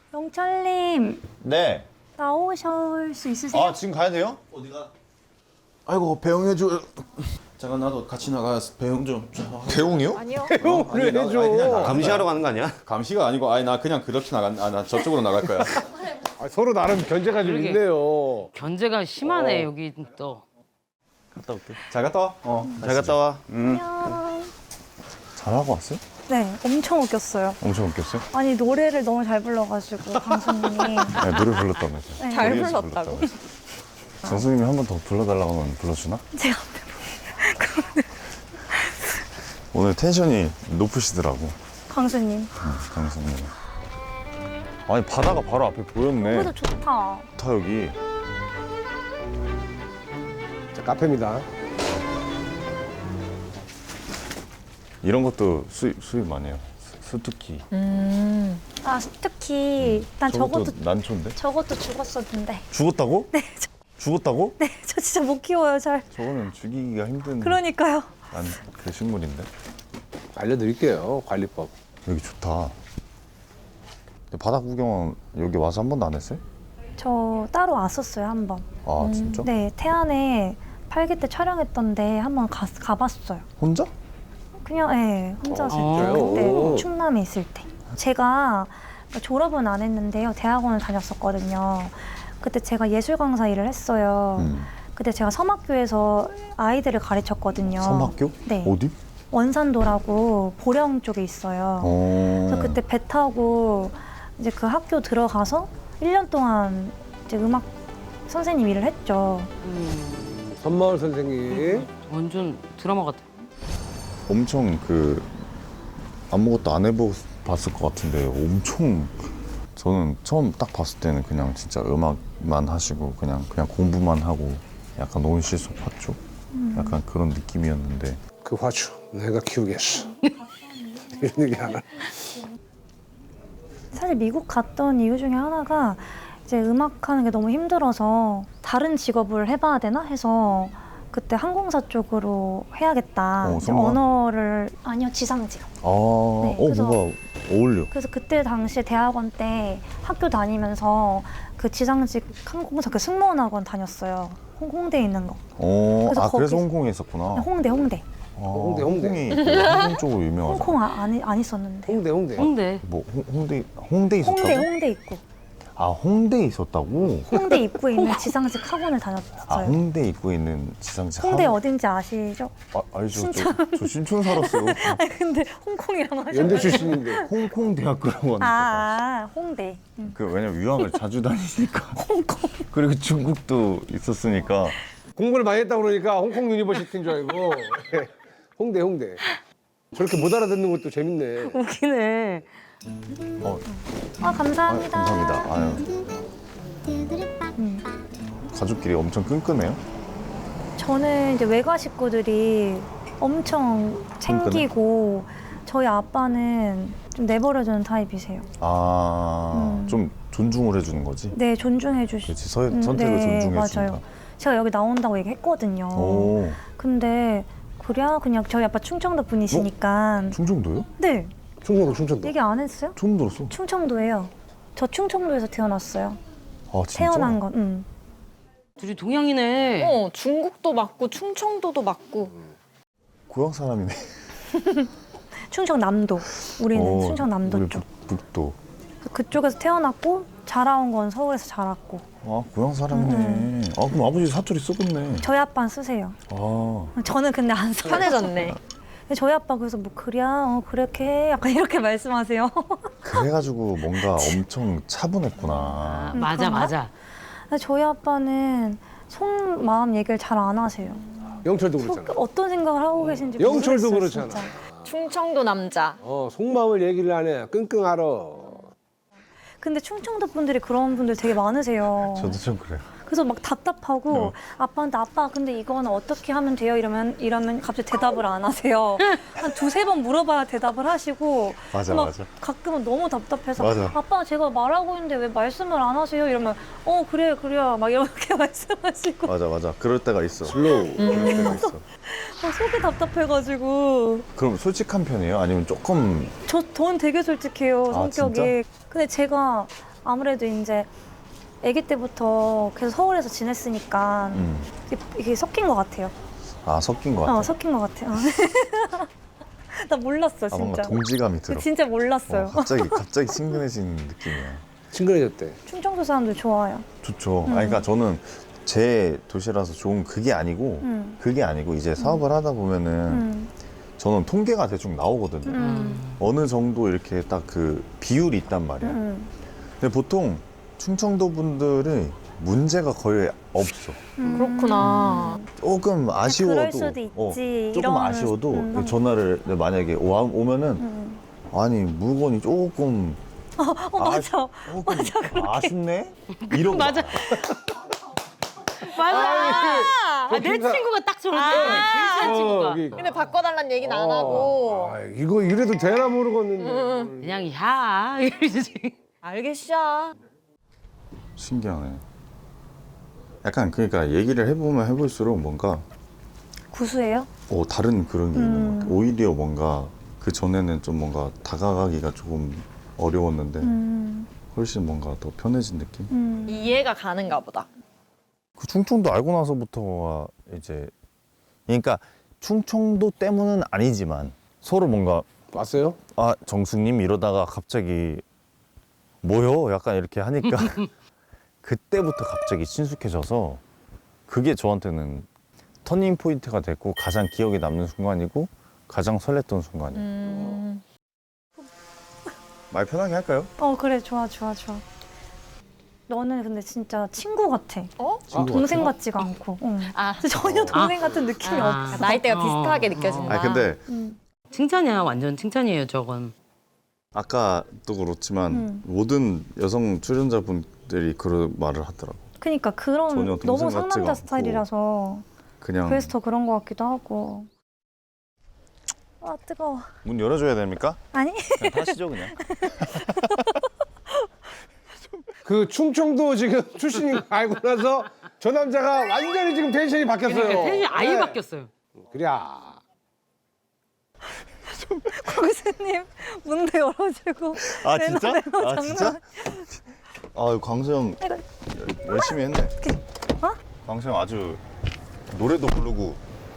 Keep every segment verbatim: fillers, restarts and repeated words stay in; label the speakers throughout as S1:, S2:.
S1: 영철님
S2: 네.
S1: 나오실 수 있으세요?
S2: 아 지금 가야 돼요?
S3: 어디가?
S4: 아이고 배웅해줘. 잠깐 나도 같이 나가서 배웅 좀.
S2: 배웅이요?
S1: 아니요.
S4: 배웅을 해줘.
S3: 감시하러 가는 거 아니야?
S4: 감시가 아니고 아니 나 그냥 그렇게 나간. 아 나 저쪽으로 나갈 거야.
S5: 아, 서로 나름 견제가 좀
S6: 그러게.
S5: 있네요.
S6: 견제가 심하네 여기 또.
S3: 갔다 올게.
S4: 잘 갔다 와. 어.
S3: 잘 갔다 와.
S1: 안녕.
S2: 잘하고 왔어요?
S1: 네, 엄청 웃겼어요.
S2: 엄청 웃겼어요?
S1: 아니 노래를 너무 잘 불러가지고 강수님이
S2: 네, 노래 불렀다면서.
S1: 네.
S2: 잘 불렀다고. 정수님이 한 번 더 불러달라고 하면 불러주나?
S1: 제가
S2: 오늘 텐션이 높으시더라고.
S1: 강수님.
S2: 응, 강수님. 아니 바다가 바로 앞에 보였네.
S1: 그래도 좋다.
S2: 좋다 여기.
S5: 자, 카페입니다.
S2: 이런 것도 수입 수입 많이 해요. 수- 수특기.
S1: 아 특히 난 저것도
S2: 저것도 난초인데?
S1: 저것도 죽었었는데.
S2: 죽었다고?
S1: 네, 저,
S2: 죽었다고?
S1: 네, 저 진짜 못 키워요 잘.
S2: 저거는 죽이기가 힘든.
S1: 그러니까요.
S2: 난 그 식물인데.
S5: 알려드릴게요. 관리법.
S2: 여기 좋다. 근데 바다 구경 여기 와서 한 번도 안 했어요?
S1: 저 따로 왔었어요 한 번.
S2: 아 진짜?
S1: 네, 태안에 팔기 때 촬영했던데 한 번 가봤어요.
S2: 혼자?
S1: 그냥 예, 혼자서
S6: 어,
S1: 그때
S5: 진짜요?
S1: 충남에 있을 때. 제가 졸업은 안 했는데요. 대학원을 다녔었거든요. 그때 제가 예술 강사 일을 했어요.
S2: 음.
S1: 그때 제가 섬학교에서 아이들을 가르쳤거든요.
S2: 섬학교?
S1: 네.
S2: 어디?
S1: 원산도라고 보령 쪽에 있어요.
S2: 어.
S1: 그래서 그때 배 타고 이제 그 학교 들어가서 일 년 동안 이제 음악 선생님 일을 했죠.
S6: 음,
S5: 선마을 선생님.
S6: 완전 드라마 같아.
S2: 엄청 그 아무것도 안 해보 봤을 것 같은데 엄청 저는 처음 딱 봤을 때는 그냥 진짜 음악만 하시고 그냥 그냥 공부만 하고 약간 온실속 화초 약간 그런 느낌이었는데
S5: 그 화초 내가 키우겠어. 이런 얘기 하나.
S1: 사실 미국 갔던 이유 중에 하나가 이제 음악하는 게 너무 힘들어서 다른 직업을 해봐야 되나 해서 그때 항공사 쪽으로 해야겠다.
S2: 어,
S1: 이제
S2: 성공한-
S1: 언어를 아니요 지상직.
S2: 아, 어
S1: 그래서-
S2: 뭐가 어울려.
S1: 그래서 그때 당시에 대학원 때 학교 다니면서 그 지상직 항공사 그 승무원 학원 다녔어요. 홍, 홍대에 있는 거.
S2: 어,
S1: 그래서
S2: 아 그래서
S1: 거기서-
S2: 홍콩에 있었구나.
S1: 홍대 홍대.
S2: 아,
S5: 홍대, 홍대.
S2: 홍콩이 그 항공 쪽으로 유명하죠.
S1: 홍콩 아, 안, 안 있었는데.
S5: 홍대 홍대.
S6: 홍대.
S2: 뭐 홍, 홍대 홍대 있었다고?
S1: 홍대 홍대 입구.
S2: 아 홍대 있었다고?
S1: 홍대 입구에 있는 지상직 학원을 다녔어요.
S2: 아 홍대 입구에 있는 지상직
S1: 홍대
S2: 학원?
S1: 어딘지 아시죠?
S2: 아, 알죠. 저, 저 신촌 살았어요.
S1: 아니 근데 홍콩이라고 하셨
S5: 연대 출신인데.
S2: 홍콩 대학교라고 하니까.
S1: 아, 아 홍대. 음.
S2: 그 왜냐면 유학을 자주 다니니까. 홍콩. 그리고 중국도 있었으니까.
S5: 공부를 많이 했다 그러니까 홍콩 유니버시티인 줄 알고. 홍대 홍대. 저렇게 못 알아듣는 것도 재밌네.
S6: 웃기네.
S2: 어,
S1: 아
S2: 아,
S1: 감사합니다.
S2: 감사합니다. 아유.
S1: 음.
S2: 가족끼리 엄청 끈끈해요?
S1: 저는 이제 외가 식구들이 엄청 챙기고 저희 아빠는 좀 내버려두는 타입이세요.
S2: 아,
S1: 음.
S2: 좀 존중을 해주는 거지?
S1: 네, 존중해 주시.
S2: 그렇지, 서,
S1: 음,
S2: 선택을
S1: 네,
S2: 존중해 준다.
S1: 맞아요. 제가 여기 나온다고 얘기했거든요.
S2: 오,
S1: 근데 그래 그냥 저희 아빠 충청도 분이시니까.
S2: 충청도요?
S1: 네,
S5: 충청도 충청도.
S1: 얘기 안 했어요?
S2: 처음 들었어.
S1: 충청도예요. 저 충청도에서 태어났어요.
S2: 아, 진짜?
S1: 태어난 건. 음.
S6: 둘이 동양이네.
S7: 어, 중국도 맞고 충청도도 맞고.
S2: 고향 사람이네.
S1: 충청남도. 우리는
S2: 어,
S1: 충청남도
S2: 우리
S1: 쪽.
S2: 북, 북도.
S1: 그쪽에서 태어났고 자라온 건 서울에서 자랐고.
S2: 아, 고향 사람이네.
S1: 음.
S2: 아, 그럼 아버지 사투리 썩었네.
S1: 저희 아빠는 쓰세요.
S2: 아,
S1: 저는 근데 안 써요.
S7: 편해졌네.
S1: 근데 저희 아빠 그래서 뭐 그래, 어, 그렇게 해. 약간 이렇게 말씀하세요.
S2: 그래가지고 뭔가 엄청 차분했구나.
S6: 아,
S1: 음,
S6: 맞아
S1: 그런가?
S6: 맞아.
S1: 근데 저희 아빠는 속마음 얘기를 잘 안 하세요.
S5: 영철도
S1: 속,
S5: 그렇잖아.
S1: 어떤 생각을 하고 계신지
S5: 영철도
S1: 모르겠어요,
S5: 그렇잖아.
S1: 진짜.
S7: 충청도 남자.
S5: 어 속마음을 얘기를 안 해. 끙끙 앓어.
S1: 근데 충청도 분들이 그런 분들 되게 많으세요.
S2: 저도 좀 그래요.
S1: 그래서 막 답답하고
S2: 어.
S1: 아빠한테 아빠 근데 이거는 어떻게 하면 돼요? 이러면 이러면 갑자기 대답을 안 하세요. 한 두세 번 물어봐야 대답을 하시고
S2: 맞아,
S1: 막
S2: 맞아.
S1: 가끔은 너무 답답해서
S2: 맞아.
S1: 아빠 제가 말하고 있는데 왜 말씀을 안 하세요? 이러면 어 그래 그래 막 이렇게 말씀하시고
S2: 맞아, 맞아. 그럴 때가 있어.
S5: 슬로우.
S2: 그럴 때가 있어.
S1: 막 속이 답답해가지고
S2: 그럼 솔직한 편이에요? 아니면 조금
S1: 저 저는 되게 솔직해요
S2: 아,
S1: 성격이.
S2: 진짜?
S1: 근데 제가 아무래도 이제 아기 때부터 계속 서울에서 지냈으니까
S2: 음.
S1: 이게, 이게 섞인 것 같아요.
S2: 아 섞인 것 같아.
S1: 어, 섞인 것 같아요. 나 몰랐어,
S2: 아 뭔가
S1: 진짜.
S2: 동지감이 들어.
S1: 진짜 몰랐어요.
S2: 어, 갑자기 갑자기 친근해지는 느낌이야.
S5: 친근해졌대.
S1: 충청도 사람들 좋아요.
S2: 좋죠.
S1: 음.
S2: 아 그러니까 저는 제 도시라서 좋은 그게 아니고
S1: 음.
S2: 그게 아니고 이제 사업을 하다 보면은
S1: 음.
S2: 저는 통계가 대충 나오거든요.
S1: 음.
S2: 어느 정도 이렇게 딱 그 비율이 있단 말이야.
S1: 음.
S2: 근데 보통 충청도 분들이 문제가 거의 없어.
S1: 음.
S7: 그렇구나.
S2: 조금 아쉬워도
S1: 그럴 수도 있지.
S2: 어, 조금
S1: 이런-
S2: 아쉬워도
S1: 음.
S2: 전화를 만약에 오, 오면은
S1: 음.
S2: 아니 물건이 조금
S1: 어, 맞아.
S2: 조금 아쉽네 이러고
S6: 맞아.
S2: 와.
S6: 맞아.
S7: 아,
S6: 아, 내 친구가 딱 저런데.
S7: 아.
S6: 제일 친한 친구가.
S5: 여기.
S7: 근데 바꿔달라는 얘기는 안 하고.
S5: 아, 이거 이래도 되나 모르겠는데.
S6: 그냥 야 이러지.
S7: 알겠어.
S2: 신기하네. 약간 그러니까 얘기를 해보면 해볼수록 뭔가
S1: 구수해요?
S2: 어, 다른 그런 게
S1: 음.
S2: 있는 것 같아. 오히려 뭔가 그 전에는 좀 뭔가 다가가기가 조금 어려웠는데
S1: 음.
S2: 훨씬 뭔가 더 편해진 느낌?
S1: 음.
S7: 이해가 가는가 보다.
S2: 그 충청도 알고 나서부터가 이제 그러니까 충청도 때문은 아니지만 서로 뭔가
S5: 왔어요?
S2: 아 정숙님 이러다가 갑자기 뭐요? 약간 이렇게 하니까 그때부터 갑자기 친숙해져서 그게 저한테는 터닝 포인트가 됐고 가장 기억에 남는 순간이고 가장 설렜던 순간이에요.
S7: 음.
S2: 말 편하게 할까요?
S1: 어, 그래. 좋아, 좋아, 좋아. 너는 근데 진짜 친구 같아.
S7: 어?
S5: 친구
S1: 동생 같지가 않고. 응.
S7: 아,
S1: 진짜 전혀 동생 같은 느낌이
S6: 아.
S1: 없어.
S7: 나이대가
S6: 어.
S7: 비슷하게 느껴진다.
S2: 아 근데
S1: 음.
S6: 칭찬이야 완전 칭찬이에요 저건.
S2: 아까도 그렇지만
S1: 음.
S2: 모든 여성 출연자분들이 그런 말을 하더라고.
S1: 그러니까 그런
S2: 전혀 동생
S1: 너무
S2: 같지가
S1: 상남자
S2: 않고.
S1: 스타일이라서
S2: 그냥
S1: 그래서 더 그런 것 같기도 하고. 아, 뜨거워.
S2: 문 열어줘야 됩니까?
S1: 아니?
S2: 그냥 타시죠 그냥.
S5: 그 충청도 지금 출신인 거 알고 나서 저 남자가 완전히 지금 텐션이 바뀌었어요.
S6: 그러니까 텐션이 아예
S5: 네.
S6: 바뀌었어요.
S5: 그래.
S1: 고수님 문도 열어주고.
S2: 아
S1: 내
S2: 진짜?
S1: 노래로
S2: 아
S1: 장난
S2: 진짜? 아 광수형
S1: 이거-
S2: 열- 열심히 했네.
S1: 어?
S2: 광수형 아주 노래도 부르고.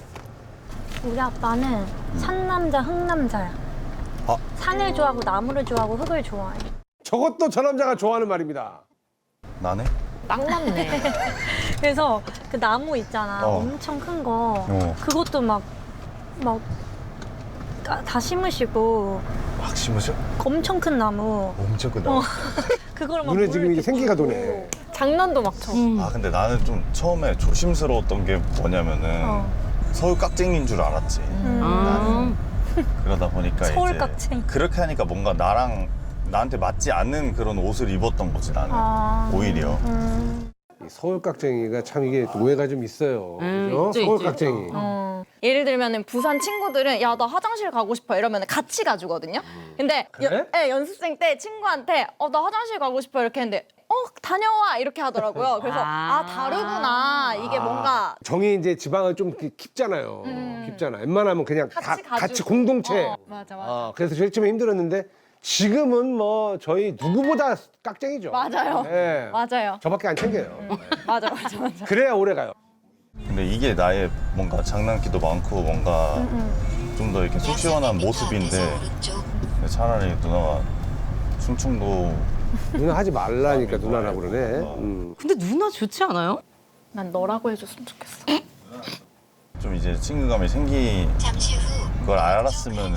S1: 우리 아빠는 산남자, 흙남자야.
S2: 아.
S1: 산을 좋아하고 나무를 좋아하고 흙을 좋아해.
S5: 저것도 저 남자가 좋아하는 말입니다.
S2: 나네?
S7: 딱 맞네.
S1: 그래서 그 나무 있잖아.
S2: 어.
S1: 엄청 큰 거.
S2: 어.
S1: 그것도 막, 막, 까- 다 심으시고.
S2: 막 심으셔?
S1: 엄청 큰 나무.
S2: 엄청 크다.
S1: 어. 그걸 막
S5: 눈에
S1: 물
S5: 지금 이게
S1: 이렇게
S5: 생기가
S1: 뿌리고.
S5: 도네.
S7: 장난도 막 쳐.
S6: 음.
S2: 아 근데 나는 좀 처음에 조심스러웠던 게 뭐냐면은
S1: 어.
S2: 서울 깍쟁이인 줄 알았지.
S1: 음.
S6: 아.
S2: 그러다 보니까
S1: 서울
S2: 이제
S1: 깍쟁이.
S2: 그렇게 하니까 뭔가 나랑 나한테 맞지 않는 그런 옷을 입었던 거지 나는.
S1: 아.
S2: 오히려.
S1: 음.
S5: 이 서울 깍쟁이가 참 이게 오해가 좀 있어요.
S6: 음,
S5: 그죠?
S6: 있죠,
S5: 서울
S6: 있죠.
S5: 깍쟁이.
S7: 어. 예를 들면은 부산 친구들은 야 나 화장실 가고 싶어 이러면 같이 가주거든요. 근데
S5: 그래?
S7: 연, 네, 연습생 때 친구한테 어 나 화장실 가고 싶어 이렇게 했는데 어 다녀와 이렇게 하더라고요. 그래서 아,
S6: 아.
S7: 다르구나 이게 뭔가
S5: 정이 이제 지방은 좀 기- 깊잖아요.
S7: 음.
S5: 깊잖아. 웬만하면 그냥 다
S7: 같이 가지고.
S5: 같이 공동체.
S7: 어, 맞아 맞아
S5: 아, 그래서 제일 처음에 힘들었는데 지금은 뭐 저희 누구보다 깍쟁이죠.
S7: 맞아요.
S5: 예.
S7: 맞아요
S5: 저밖에 안 챙겨요.
S7: 맞아 맞아 맞아.
S5: 그래야 오래 가요.
S2: 근데 이게 나의 뭔가 장난기도 많고 뭔가
S1: 음.
S2: 좀 더 이렇게 속 시원한 모습인데 차라리 누나가 충청도
S5: 누나 하지 말라니까 누나라고 그러네. 음.
S6: 근데 누나 좋지 않아요?
S7: 난 너라고 해줬으면 좋겠어.
S2: 좀 이제 친근감이 생긴 걸 알았으면은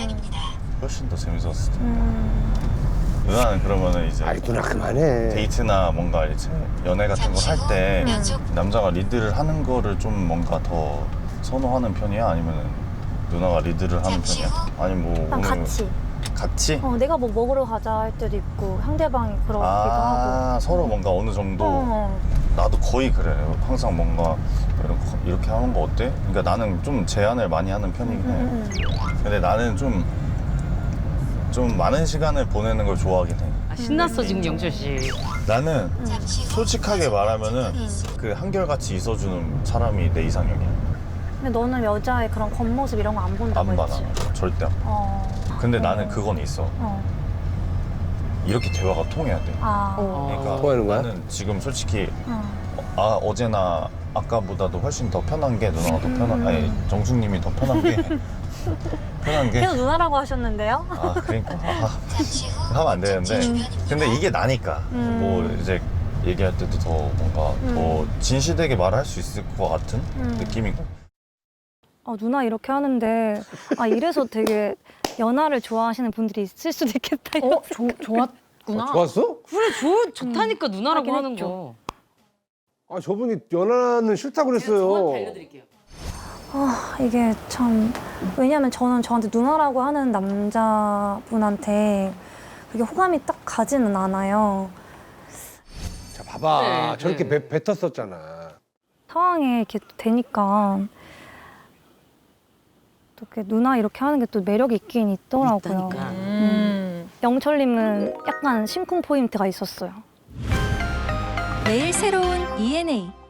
S2: 훨씬 더 재밌었을 텐데.
S1: 음.
S2: 누나는 그러면은 이제
S5: 아이 누나 그만해.
S2: 데이트나 뭔가 이제 연애 같은 거 할 때 남자가 리드를 하는 거를 좀 뭔가 더 선호하는 편이야? 아니면은 누나가 리드를 하는 편이야? 아니 뭐
S1: 난
S2: 오늘
S1: 같이.
S2: 같이?
S1: 어, 내가 뭐 먹으러 가자 할 때도 있고 상대방이 그러기도 하고.
S2: 아 서로 뭔가 어느 정도
S1: 어.
S2: 나도 거의 그래. 항상 뭔가 이렇게, 이렇게 하는 거 어때? 그러니까 나는 좀 제안을 많이 하는 편이긴 해.
S1: 음, 음.
S2: 근데 나는 좀, 좀 많은 시간을 보내는 걸 좋아하긴 해.
S6: 아, 신났어 지금 영철 씨.
S2: 나는 솔직하게 말하면은 그 한결같이 있어주는 사람이 내 이상형이야.
S1: 근데 너는 여자의 그런 겉모습 이런 거 안 본다고
S2: 안 받아.
S1: 했지?
S2: 절대 안 받아.
S1: 어.
S2: 근데
S1: 어.
S2: 나는 그건 있어.
S1: 어.
S2: 이렇게 대화가 통해야 돼.
S1: 아,
S2: 그러니까
S5: 통하는 거야?
S2: 나는 지금 솔직히
S1: 어.
S2: 아 어제나 아까보다도 훨씬 더 편한 게 누나가 더 편한 아니 정숙님이 더 편한 게 편한 게
S1: 계속 누나라고 하셨는데요?
S2: 아 그러니까 아, 하면 안 되는데 근데 이게 나니까
S1: 음.
S2: 뭐 이제 얘기할 때도 더 뭔가 더 진실되게 말할 수 있을 것 같은
S1: 음.
S2: 느낌이고
S1: 아, 누나 이렇게 하는데 아 이래서 되게 연하를 좋아하시는 분들이 있을 수도 있겠다. 이런
S7: 어, 조, 좋았구나.
S5: 아, 좋았어?
S6: 그래 좋 좋다니까 누나라고
S1: 하긴
S6: 하는
S1: 했죠.
S6: 거.
S5: 아 저분이 연하는 싫다고 그랬어요.
S6: 알려드릴게요.
S1: 아, 이게 참 왜냐면 저는 저한테 누나라고 하는 남자분한테 그게 호감이 딱 가지는 않아요.
S5: 자 봐봐
S6: 네,
S5: 저렇게
S6: 네.
S5: 배, 뱉었었잖아.
S1: 상황에 이렇게 되니까 또 이렇게 누나 이렇게 하는 게 또 매력이 있긴 있더라고요.
S6: 있다니까.
S7: 음.
S1: 영철님은 약간 심쿵 포인트가 있었어요.
S8: 매일 새로운 이엔에이